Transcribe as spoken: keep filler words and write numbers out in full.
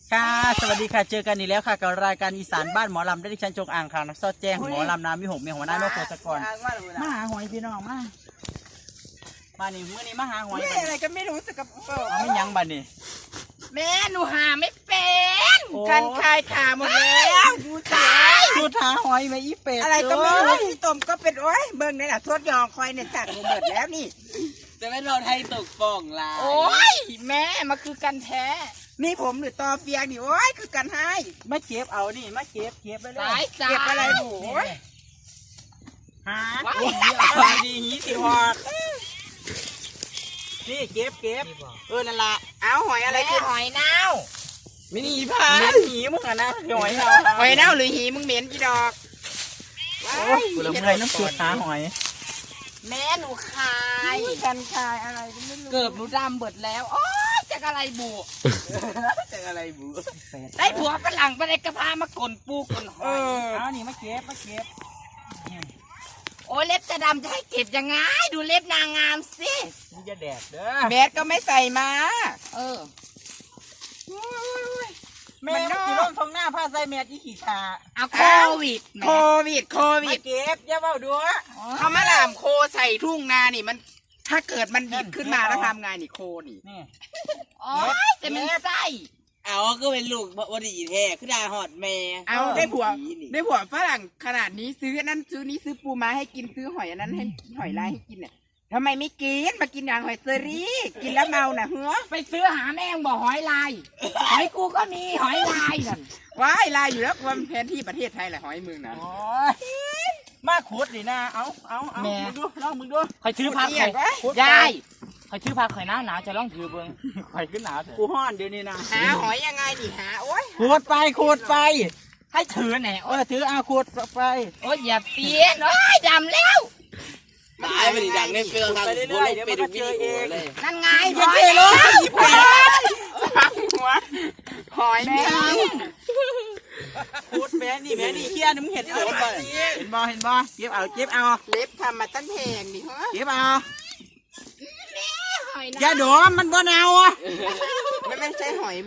ค่ะสวัสดีค่ะเจอกันอีกแล้วค่ะกับรายการอีสานบ้านหมอลำได้ดิฉันจงอ่างค่ะนักซอดแจ้งหมอลำน้ำมีหกมีหัวหน้าโนโกสกรมาหาหอยพี่น้องมามานี่เมื่อนี้มาหาหอยไม่อะไรก็ไม่รู้สึกกับเปล่าเอาไม่ยั้งบันนี่แม่หนูหาไม่เป็นกันคายขาหมดแล้วดูตายสุดหาหอยไหมอีเป็ดอะไรก็ไม่รู้ที่ต้มก็เป็นโอ้ยเบิ่งนี่แหละทวดยองคอยเนี่ยจัดลงหมดแล้วนี่จะไม่เราไทยตกป่องลาโอ้ยแม่มาคือกันแท้นี่ผมหรือตอเฟียงนี่โอ้ยคือกันให้มาเก็บเอานี่มาเก็บเก็บไปเลยสายเก็บอะไรหนูหาดีดีหีสิหอดนี่เก็บเก็บเออนั่นละเอาหอยอะไรคือหอยเน่ามินิพาเม็ดหีมึงอะนะหอยเราหอยเน่าหรือหีมึงเหม็นกี่ดอกโอ้ยกูละเมื่อยน้ำสุดหาหอยแม่หนูคายกันคายอะไรก็ไม่รู้เกือบหนูดำเบิดแล้วโอ้ยจากอะไรบุจากอะไรบูได้ผัวฝรั่งไปในกระพามากลนปูกลหอยเอานี่มาเก็บมาเก็บโอ้ยเล็บจะดำจะให้เก็บยังไงดูเล็บนางงามสิมึงจะแดดเด้อแมสก็ไม่ใส่มา เออแม่มันกี่ร่มทองหน้าผ้าใส่แมสอีขี่ขาเอาโควิดโควิดโควิมาดเก็บอย่าเบาดูเขามาหลามโคใส่ทุ่งนานี่มัน ถ้าเกิดมันบิดขึ้นมาแล้วทำไงนี่โคนี่นี่อ๋อแต่มันไส้เอาก็เป็นลูกบดีแท้คือดาหอดแม่เอาได้ผัวได้ผัวฝรั่งขนาดนี้ซื้ออันนั้นซื้อนี้ซื้อปูม้าให้กินซื้อหอยอันนั้นให้หอยลายให้กินเนี่ยทำไมไม่กินมากินอย่างหอยเซอรี่กินแล้วเมาน่ะเฮ้อไปซื้อหาแม่งบอกหอยลายหอยกูก็มีหอยลายนั่นว้ายลายอยู่แล้วความแผนที่ประเทศไทยแหละหอยมึงนะโอ้ยมาขุดดินะเอาเอาเอามึงดูลองมึงดูคอยถือพักเอียดข่อยยายคอยถือพักข่อยหนาวหนาวจะลองถือเบิ่งข่อยขึ้นหนาวกูห้อนเดี๋ยวนี้นะหาหอยยังไงนี่หาโอ้ยขุดไปขุดไปให้ถือแหน่เออถือเอาขุดไปโอ้ยอย่าเปลี่ยนโอ้ยดำแล้วตายไปดิดังในเฟืองทางบุลงไปดูวิดีโอเลยนั่นไงอย่าเทเลยอีเป็ดหัวหอยแม่ขุดแม่นี่แม่นี่เฮียนี่มึงเห็นเห็นบ่เห็นบ่เห็นบ่เก็บเอาเก็บเอาเล็บทำมาตั้งแพงดิฮะเก็บเอาหอยอย่านะโดมมันบ่เน่าอ่ะไม่ไม่ใช่หอย